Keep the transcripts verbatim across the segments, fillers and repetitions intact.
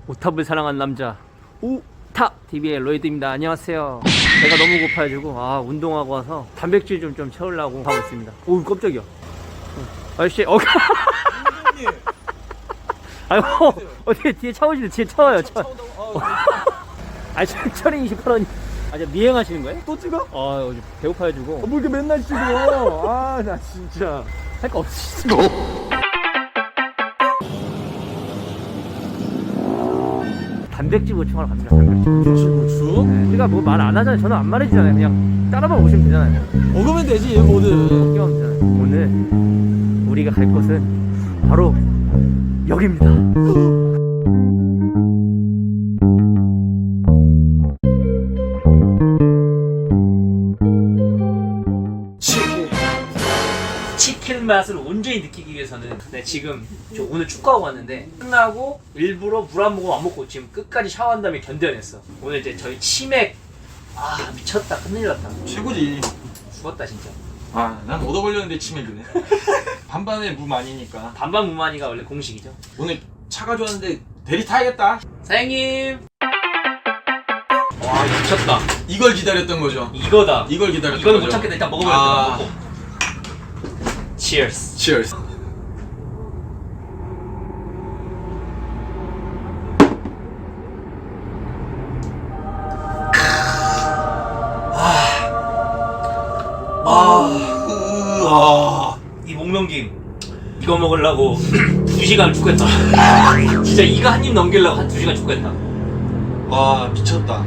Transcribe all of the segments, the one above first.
오탑을 사랑한 남자 오탑 티비의 로이드입니다. 안녕하세요. 배가 너무 고파가지고 아 운동하고 와서 단백질 좀 좀 채우려고 하고 있습니다. 오 깜짝이야. 아저씨 어. 아이고 어떻게 뒤에 차 오시는데 뒤에 차 와요. 차. 아니 천천히 이십팔 원이. 아 저 미행하시는 거예요? 또 찍어? 아 요즘 배고파가지고. 어, 뭐 이렇게 맨날 찍어? 아, 나 진짜. 할 거 없으시죠? 단백질 보충하러 갑니다. 단백질. 김치부추? 네, 제가 뭐 말 안 하잖아요. 저는 안 말해주잖아요. 그냥 따라만 오시면 되잖아요. 먹으면 되지, 뭐든. 걱정 없잖아요. 오늘 우리가 갈 곳은 바로 여기입니다. 치킨. 치킨 맛을 온전히 느끼기 위해서는 네, 지금 저 오늘 축구하고 왔는데 끝나고 일부러 물 한 모금 안 먹고 지금 끝까지 샤워한 다음에 견뎌냈어. 오늘 이제 저희 치맥 아 미쳤다. 큰일 났다. 최고지. 죽었다 진짜. 아, 난 얻어 걸렸는데 치맥이네. 반반에 무 많이니까. 반반 무만이가 원래 공식이죠. 오늘 차가 좋았는데 대리 타야겠다. 사장님. 와 미쳤다. 이걸 기다렸던 거죠. 이거다. 이걸 기다렸던 이거는 거죠. 못 참겠다. 일단 먹어봐야 아. 돼. Cheers. Cheers. 아, 이 목넘김 이거 먹으려고 두 시간 죽겠다. 진짜 이거 한 입 넘기려고 한 두 시간 죽겠다. 와, 미쳤다.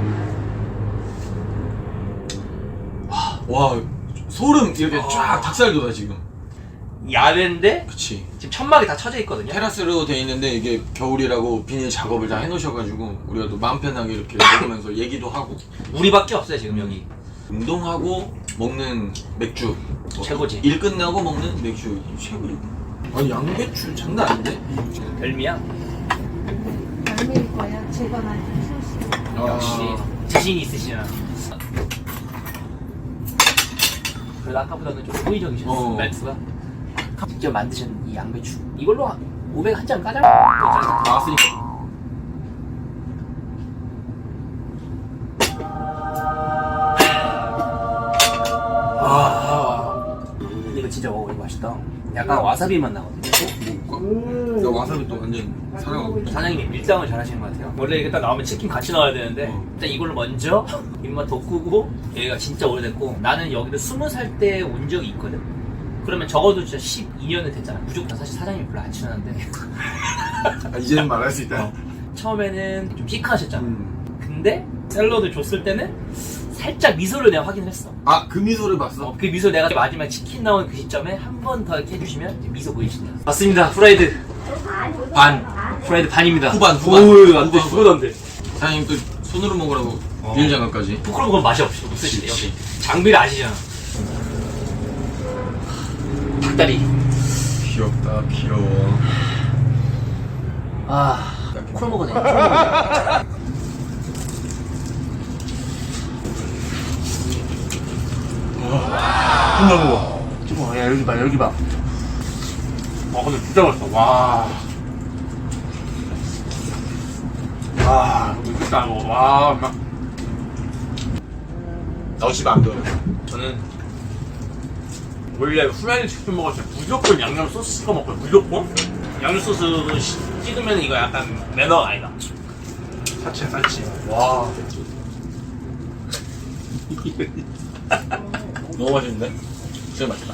와, 소름 이렇게 쫙 닭살 돋아 지금. 야외인데 그치. 지금 천막이 다 쳐져 있거든요. 테라스로 돼 있는데 이게 겨울이라고 비닐 작업을 다 해놓으셔가지고 우리가 또 마음 편하게 이렇게 먹으면서 얘기도 하고 우리밖에 없어요 지금 여기. 운동하고 먹는 맥주 뭐 최고지. 일 끝나고 먹는 맥주 최고지. 아니 양배추 장난 아닌데? 별미야. 별미일 거야. 제가 만든 소스. 역시 자신이 있으시나. 그래도 아까보다는 좀 호의적이셨어. 어. 말투가. 직접 만드신 이 양배추 이걸로 오백 한 잔 까자. 괜찮아. 나왔으니까. 아, 이거 진짜 먹어. 이거 맛있다. 약간 와사비 맛 나거든요. 먹을까? 야 와사비 또 완전 사랑하고. 사장님이 밀당을 잘 하시는 것 같아요. 원래 이게 딱 나오면 치킨 같이 나와야 되는데 어. 일단 이걸로 먼저 입맛 돋구고. 여기가 진짜 오래됐고 나는 여기를 스무 살 때 온 적이 있거든. 그러면 적어도 진짜 십이 년은 됐잖아. 무조건. 사실 사장님이 별로 안 친한데 아, 이제는 말할 수 있다. 처음에는 좀 시크하셨잖아. 음. 근데 샐러드 줬을 때는 살짝 미소를 내가 확인을 했어. 아 그 미소를 봤어? 어, 그 미소 내가 마지막 치킨 나온 그 시점에 한 번 더 이렇게 해주시면 이제 미소 보이신다. 맞습니다. 프라이드 반. 프라이드 반입니다. 후반, 후반. 오우 안돼. 후반. 그건 안돼. 사장님 또 손으로 먹으라고 어. 비닐 장갑까지. 포크로 먹으면 맛이 없이 없으시네요. 그치. 장비를 아시잖아. 닭다리. 귀엽다 귀여워. 아, 콜 먹어네. 콜 끝나고. 먹어. 야 여기 봐, 여기 봐. 아 근데 진짜 맛있다. 와. 와, 이거 진짜 먹어. 와, 막. 나오시면 안 돼. 저는 원래 후라이드 치킨 먹을 때 무조건 양념 소스 찍어 먹거든요. 무조건. 양념 소스 찍으면 이거 약간 매너가 아니다. 사치 사치. 와. 너무 맛있는데? 진짜 맛있다.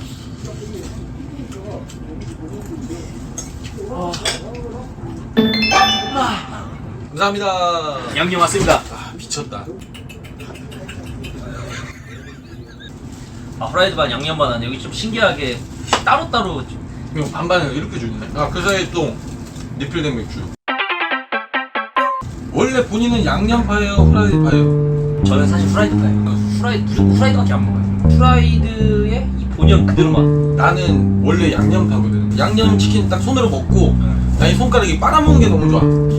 감사합니다. 양념 왔습니다. 아 미쳤다. 아, 후라이드 반 양념 반은 여기 좀 신기하게 따로따로. 이거 반반을 이렇게 주네. 아그 사이에 또 리필된 맥주. 원래 본인은 양념파예요, 후라이드파예요? 저는 사실 후라이드파예요. 후라이드 무조건 후라이드밖에 안 먹어요. 후라이드의 이 본연 그대로 맛. 나는 원래 양념파거든. 양념 치킨 딱 손으로 먹고 나 이 손가락이 빨아먹는 게 너무 좋아.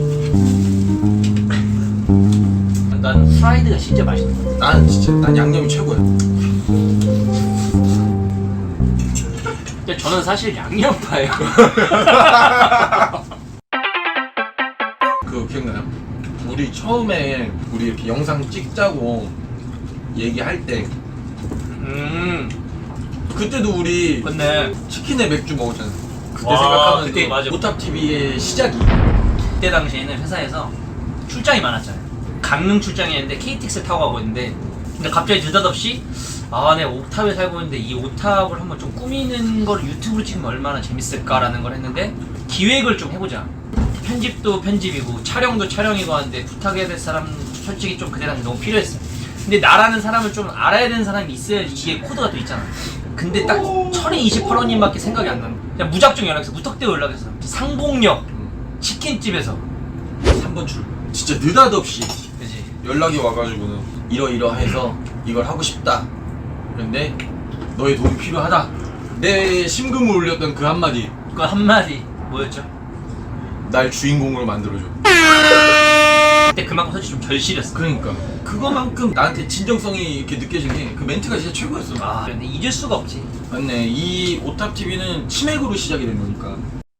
난 후라이드가 진짜 맛있는 것 같아. 난 진짜 난 양념이 최고야. 근데 저는 사실 양념파예요. 그 기억나요? 우리 처음에 우리 이렇게 영상 찍자고 얘기할 때 음 그때도 우리 근데 치킨에 맥주 먹었잖아. 그때 와, 생각하면 그때 맞아. 오탑티비의 시작이 그때 당시에는 회사에서 출장이 많았잖아요. 강릉 출장이었는데 케이티엑스 타고 가고 있는데 근데 갑자기 느닷없이 아, 내 오탑에 살고 있는데 이 오탑을 한번 좀 꾸미는 걸 유튜브로 찍으면 얼마나 재밌을까라는 걸 했는데 기획을 좀 해보자. 편집도 편집이고 촬영도 촬영이고 하는데 부탁해야 될 사람 솔직히 좀 그때 당시 너무 필요했어. 근데 나라는 사람을 좀 알아야 되는 사람이 있어야지 이게 코드가 또 있잖아. 근데 딱 철이이십팔 호님밖에 생각이 안 나는 그냥 무작정 연락해서 무턱대고 연락했어. 상봉역 치킨집에서 삼 번 출. 진짜 느닷없이 그지? 연락이 와가지고는 이러이러해서 이걸 하고 싶다. 그런데 너의 도움이 필요하다. 내 심금을 울렸던 그 한마디. 그 한마디 뭐였죠? 날 주인공으로 만들어줘. 그때 그만큼 솔직히 좀 절실했어. 그러니까 그거만큼 나한테 진정성이 이렇게 느껴진 게 그 멘트가 진짜 최고였어. 아 근데 잊을 수가 없지. 맞네. 이 오탑티비는 치맥으로 시작이 된 거니까.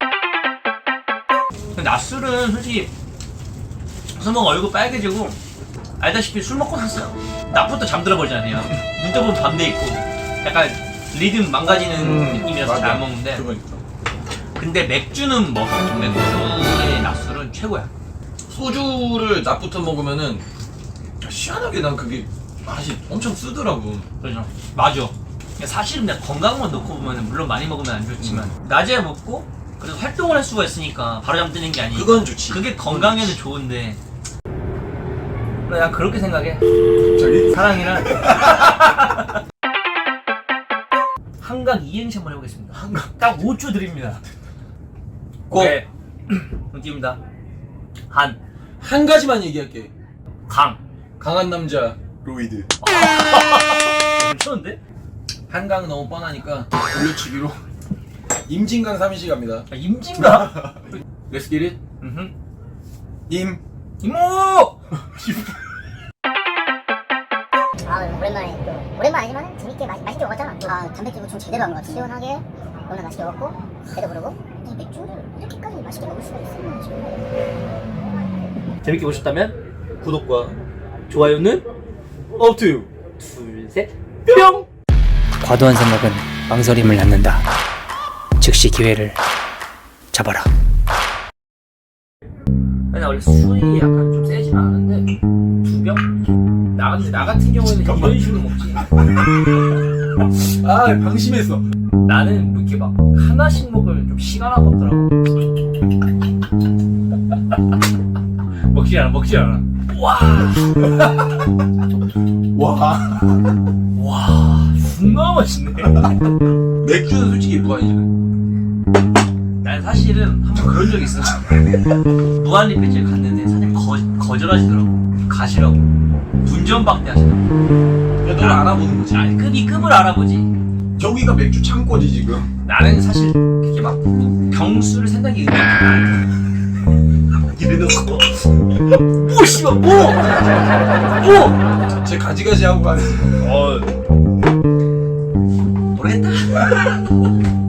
근데 낮술은 솔직히 술 먹으면 얼굴 빨개지고 알다시피 술 먹고 샀어요. 낮부터 잠들어 버리잖아요. 눈 떠보면 밤돼 있고 약간 리듬 망가지는 느낌이라서 잘 안 먹는데 그러니까. 근데 맥주는 먹어. 맥주의 낮술은 최고야. 소주를 낮부터 먹으면은 희한하게 난 그게 맛이 엄청 쓰더라고. 그렇죠. 맞아. 사실은 내가 건강만 놓고 보면 물론 많이 먹으면 안 좋지만 낮에 먹고 그래도 활동을 할 수가 있으니까 바로 잠드는 게 아니니까 그건 좋지. 그게 건강에는 좋은데 난 그렇게 생각해. 갑자기? 사랑이란 한강 이행시 한번 해보겠습니다. 한강 딱 오 초 드립니다. 고. 오케이. 띄웁니다. 한, 한 가지만 얘기할게. 강. 강한 남자 로이드. 괜찮은데? 한강 너무 뻔하니까 올려치기로 임진강 삼인시 갑니다. 아, 임진가? Let's get it. 음흠. 임. 이모! 아 오랜만에 또 오랜만 아니지만 재밌게 맛, 맛있게 먹었잖아. 아 단백질도 좀 제대로 한 것 같아. 시원하게 너무나 맛있게 먹었고 배도 부르고 이 맥주를 이렇게까지 맛있게 먹을 수가 있었나 싶어. 재밌게 보셨다면 구독과 좋아요는 up to you. 둘, 셋, 뿅! 과도한 생각은 망설임을 낳는다. 즉시 기회를 잡아라. 나 원래 술이 약간 좀 세지는 않은데 두 병? 나, 근데 나 같은 경우에는 이런 식으로 먹지. 아 방심했어. 나는 이렇게 막 하나씩 먹을 좀 시간하가 없더라고. 먹지 않아, 먹지 않아. 와, 와. 와, 존나 맛있네. 맥주는 솔직히 무한이잖아. 난 사실은 한번 그런 적 있어. 무한리필집 갔는데 사장님 거, 거절하시더라고. 가시라고. 분전박대 하시더라고. 야, 널 알아보는 거지. 아니, 급이 급을 알아보지. 저기가 맥주 창고지 지금. 나는 사실 그렇게 막 병수를 생각이 의미 없다. 이래놓고 뭐 씨발 뭐? 뭐? 제 가지가지 하고 가는. 어 모르겠다.